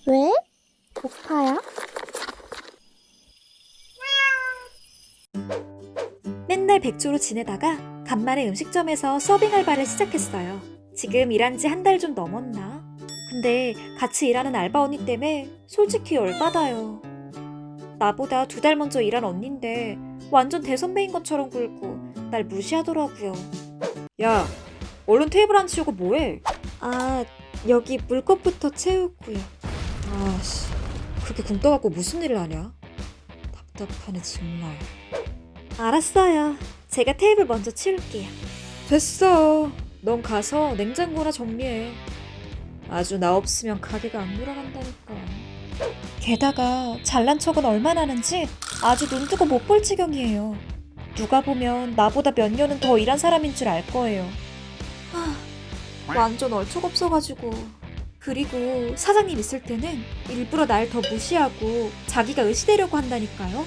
왜? 고파요? 맨날 백조로 지내다가 간만에 음식점에서 서빙 알바를 시작했어요. 지금 일한 지 한 달 좀 넘었나? 근데 같이 일하는 알바 언니 때문에 솔직히 열받아요. 나보다 2달 먼저 일한 언니인데 완전 대선배인 것처럼 굴고 날 무시하더라고요. 야, 얼른 테이블 안 치우고 뭐해? 아, 여기 물컵부터 채우고요. 아씨, 그렇게 굶 떠갖고 무슨 일을 하냐? 답답하네 정말. 알았어요. 제가 테이블 먼저 치울게요. 됐어. 넌 가서 냉장고나 정리해. 아주 나 없으면 가게가 안 돌아간다니까. 게다가 잘난 척은 얼마나 하는지 아주 눈뜨고 못 볼 지경이에요. 누가 보면 나보다 몇 년은 더 일한 사람인 줄 알 거예요. 완전 얼척없어가지고. 그리고 사장님 있을 때는 일부러 날 더 무시하고 자기가 의시되려고 한다니까요.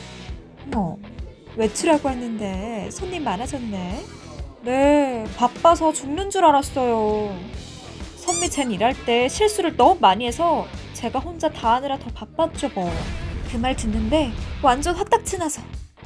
외출하고 왔는데 손님 많아졌네. 네, 바빠서 죽는 줄 알았어요. 선미 쟨 일할 때 실수를 너무 많이 해서 제가 혼자 다 하느라 더 바빴죠 뭐. 그 말 듣는데 완전 화딱지 나서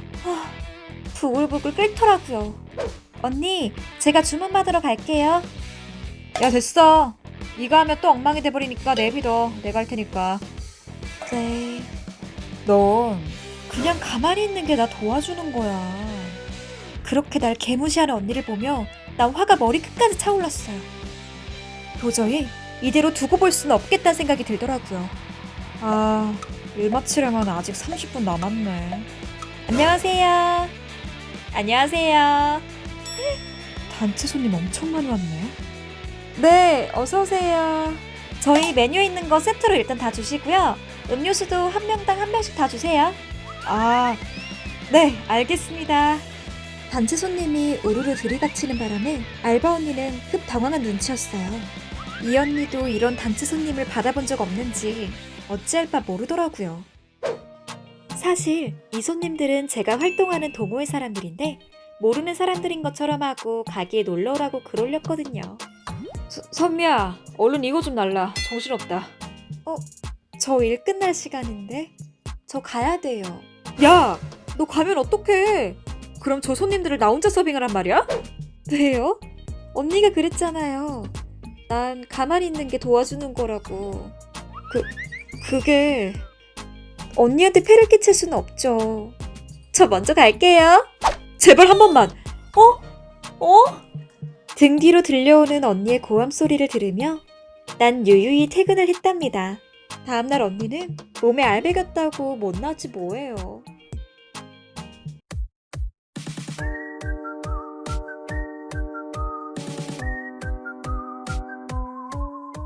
부글부글 끓더라고요. 언니, 제가 주문 받으러 갈게요. 야, 됐어. 이거 하면 또 엉망이 돼버리니까 내비둬. 내가 할 테니까. 네. 넌 그냥 가만히 있는 게 나 도와주는 거야. 그렇게 날 개무시하는 언니를 보며 난 화가 머리 끝까지 차올랐어요. 도저히 이대로 두고 볼 수는 없겠다는 생각이 들더라고요. 아, 일 마치려면 아직 30분 남았네. 안녕하세요. 안녕하세요. 단체 손님 엄청 많이 왔네. 네, 어서오세요. 저희 메뉴에 있는 거 세트로 일단 다 주시고요. 음료수도 한 명당 한 병씩 다 주세요. 아, 네, 알겠습니다. 단체 손님이 우르르 들이닥치는 바람에 알바 언니는 급 당황한 눈치였어요. 이 언니도 이런 단체 손님을 받아본 적 없는지 어찌할 바 모르더라고요. 사실 이 손님들은 제가 활동하는 동호회 사람들인데 모르는 사람들인 것처럼 하고 가게에 놀러 오라고 글 올렸거든요. 선미야, 얼른 이거 좀 날라. 정신없다. 저 일 끝날 시간인데? 저 가야 돼요. 야, 너 가면 어떡해? 그럼 저 손님들을 나 혼자 서빙하란 말이야? 왜요? 언니가 그랬잖아요. 난 가만히 있는 게 도와주는 거라고. 그게 언니한테 폐를 끼칠 수는 없죠. 저 먼저 갈게요. 제발 한 번만. 등 뒤로 들려오는 언니의 고함 소리를 들으며 난 유유히 퇴근을 했답니다. 다음날 언니는 몸에 알배겼다고 못 나지 뭐예요.